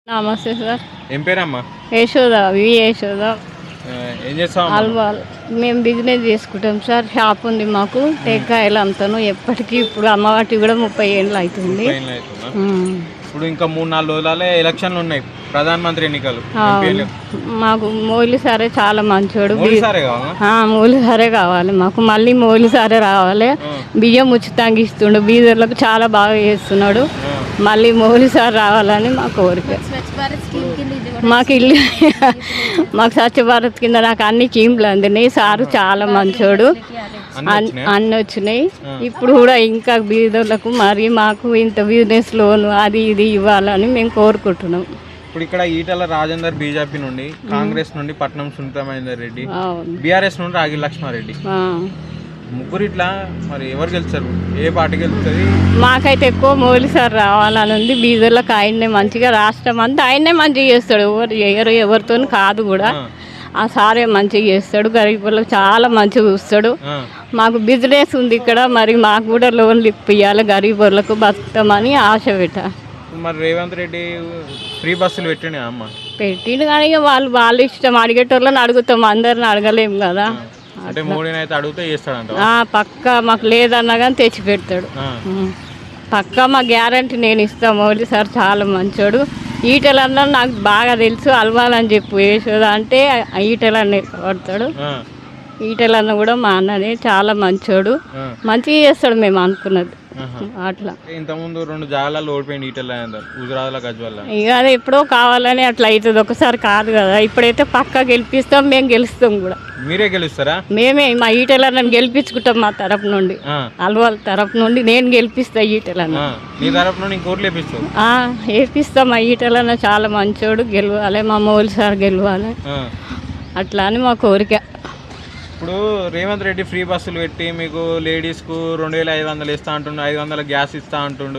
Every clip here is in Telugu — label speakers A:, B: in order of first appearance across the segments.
A: నమస్తే సార్.
B: ఏం పేరమ్మా?
A: యశోద, యశోద.
B: ఏం చేస్తాం?
A: అల్వాల్. మేము బిజినెస్ చేసుకుంటాం సార్. షాప్ ఉంది మాకు. టెక్కాయలు అంతాను ఎప్పటికీ. ఇప్పుడు అమ్మవాటి కూడా 30 ఏళ్ళు అవుతుంది.
B: ఇప్పుడు ఇంకా 3-4 రోజులే ఎలక్షన్లు ఉన్నాయి, ప్రధానమంత్రి ఎన్నికలు.
A: మాకు మోలి సారే చాలా మంచోడు. మోలి సారే కావాలి మాకు. మళ్ళీ మోలి సారే రావాలి. బియ్యం ఉచితంగా ఇస్తుండు, బీదర్లకు చాలా బాగా చేస్తున్నాడు. మళ్ళీ మోలి సార్ రావాలని మా కోరిక. మాకు ఇల్లు మాకు స్వచ్ఛ భారత్ కింద నాకు అన్ని స్కీమ్లు అందినాయి. సారు చాలా మంచోడు, అన్నీ వచ్చినాయి. ఇప్పుడు కూడా ఇంకా బీదర్లకు మరి మాకు ఇంత బిజినెస్ లోను అది ఇది ఇవ్వాలని మేము కోరుకుంటున్నాం.
B: ఇప్పుడు ఇక్కడ ఈటల రాజేందర్ బీజేపీ నుండి, కాంగ్రెస్ నుండి పట్నం సునీతా మహేందర్ రెడ్డి, బీఆర్ఎస్ నుండి రాగి లక్ష్మారెడ్డి, ముగ్గురు ఇట్లా మరి ఎవరు గెలుస్తారు? ఏ పార్టీ గెలుస్తుంది?
A: మాకైతే ఎక్కువ మోలి సార్ రావాలని ఉంది. బీదర్లకు ఆయన్నే మంచిగా, రాష్ట్రం అంతా ఆయన్నే మంచిగా చేస్తాడు. ఎవరు చేయరు, ఎవరితో కాదు కూడా. ఆ సారే మంచిగా చేస్తాడు. గరీబులకు చాలా మంచిగా చూస్తాడు. మాకు బిజినెస్ ఉంది ఇక్కడ, మరి మాకు కూడా లోన్లు ఇప్పియాలి. గరీబులకు బతుకుతామని ఆశ పెట్ట.
B: మరి రేవంత్ రెడ్డి ఫ్రీ బస్సులు పెట్టిండు అమ్మ.
A: పెట్టిండు కానీ వాళ్ళు ఇష్టం. అడిగేటోళ్ళని అడుగుతాం, అందరిని అడగలేము కదా.
B: అంటే మోడీని అయితే అడిగితే చేస్తాడంట.
A: పక్కా మాకు లేదన్నా కానీ తెచ్చి పెడతాడు. పక్కా మా గ్యారంటీ నేను ఇస్తాను. మోడీ సార్ చాలా మంచోడు. ఈటలన్నా నాకు బాగా తెలుసు. అల్వాలని చెప్పు యశోద అంటే ఈటలన్న పడతాడు. ఈటలన్న కూడా మా అన్ననే చాలా మంచోడు, మంచిగా చేస్తాడు. మేము అనుకున్నది అట్లా.
B: ఇంతకుముందు 2 జాగాలలో ఓడిపోయింది ఈటల హుజురాబాద్లో, గజ్వేల్లో.
A: ఇక అది ఎప్పుడో కావాలని అట్లా అవుతుంది, ఒకసారి కాదు కదా. ఇప్పుడైతే పక్కా గెలిపిస్తాం, మేము గెలుస్తాం కూడా.
B: మీరే గెలుస్తారా?
A: మేమే మా ఈటలన్న గెలిపించుకుంటాం. మా తరపు నుండి, అల్వాల్ తరపు నుండి నేను గెలిపిస్తా ఈటలన్న.
B: మీ తరపు నుండి ఇంకోటి
A: వేపిస్తాం. మా ఈటలన్న చాలా మంచోడు, గెలవాలి. మా మోలి సార్ గెలవాలి, అట్లా అని మా కోరిక.
B: ఇప్పుడు రేవంత్ రెడ్డి ఫ్రీ బస్సులు పెట్టి మీకు లేడీస్కు 2500 ఇస్తా అంటుండు, 500 గ్యాస్ ఇస్తా అంటుండు,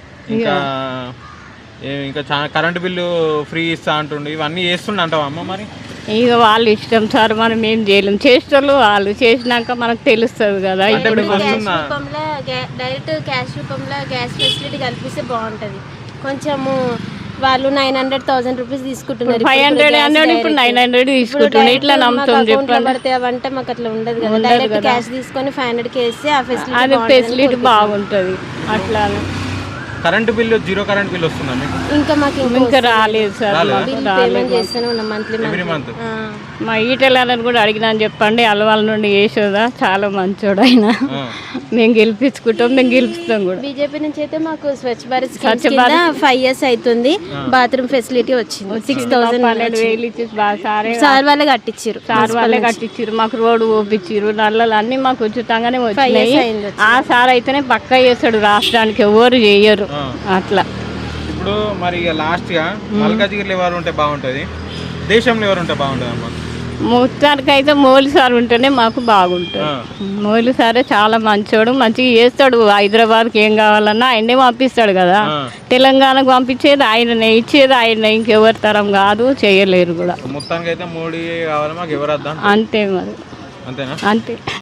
B: ఇంకా చాలా కరెంటు బిల్లు ఫ్రీ ఇస్తా అంటుండు. ఇవన్నీ చేస్తుండ అంటావా అమ్మ? మరి
A: ఇక వాళ్ళు ఇష్టం సార్, మనం ఏం చేయలేము. చేసేటోళ్ళు వాళ్ళు చేసినాక మనకు తెలుస్తుంది కదా.
C: ఇప్పుడు డైరెక్ట్ క్యాష్ రూపంలో గ్యాస్ ఫెసిలిటీ కల్పిస్తే బాగుంటుంది. కొంచెము వాళ్ళు 900,000 రూపీస్ తీసుకుంటున్నారు.
A: 500 ఇప్పుడు 900 తీసుకుంటున్నారు. ఇట్లా నమ్ముతాం
C: పడితే అవంటే మాకు అట్లా ఉండదు కదా. డైరెక్ట్ క్యాష్ తీసుకొని 500కి వేస్తే ఆ
A: ఫెసిలిటీ బాగుంటుంది. అట్లా
B: కరెంట్ బిల్లు 0 కరెంట్ బిల్ వస్తుందా మీకు?
C: ఇంకా మాకు
A: ఇంకా రాలేదు సార్.
C: పేమెంట్ చేస్తూనే ఉన్నాం మంత్లీ.
A: మా ఈటలని కూడా అడిగినా అని చెప్పండి. అలవాళ్ళ నుండి యశోద చాలా మంచోడు ఆయన. మేము గెలిపించుకుంటాం, మేము గెలుపుతాం కూడా.
C: బీజేపీ నుంచి అయితే మాకు స్వచ్ఛ భారత్ 5 years అవుతుంది. బాత్రూమ్ ఫెసిలిటీ వచ్చింది. 6,000
A: ఇచ్చి
C: సార్ వాళ్ళే కట్టించారు.
A: మాకు రోడ్డు ఓపించారు. నల్లలు అన్ని మాకు ఉచితంగానే వచ్చినాయి. ఆ సార్ అయితేనే పక్కా చేస్తాడు, రాష్ట్రానికి ఎవరు చేయరు అట్లా.
B: ఇప్పుడు మరి లాస్ట్ గా మల్కాజిగిరిలో ఎవరు ఉంటే బాగుంటుంది, దేశంలో ఎవరు ఉంటే బాగుంటుంది అమ్మా?
A: మొత్తానికి అయితే మోలి సార్ ఉంటేనే మాకు బాగుంటుంది. మోలి సారే చాలా మంచోడు, మంచిగా చేస్తాడు. హైదరాబాద్కి ఏం కావాలన్నా ఆయనే పంపిస్తాడు కదా. తెలంగాణకు పంపించేది ఆయననే, ఇచ్చేది ఆయనే. ఇంకెవరి తరం కాదు, చేయలేరు కూడా.
B: మొత్తానికి అయితే మోడీ కావాలి మాకు. ఎవరు
A: అంతే మరి,
B: అంతేనా?
A: అంతే.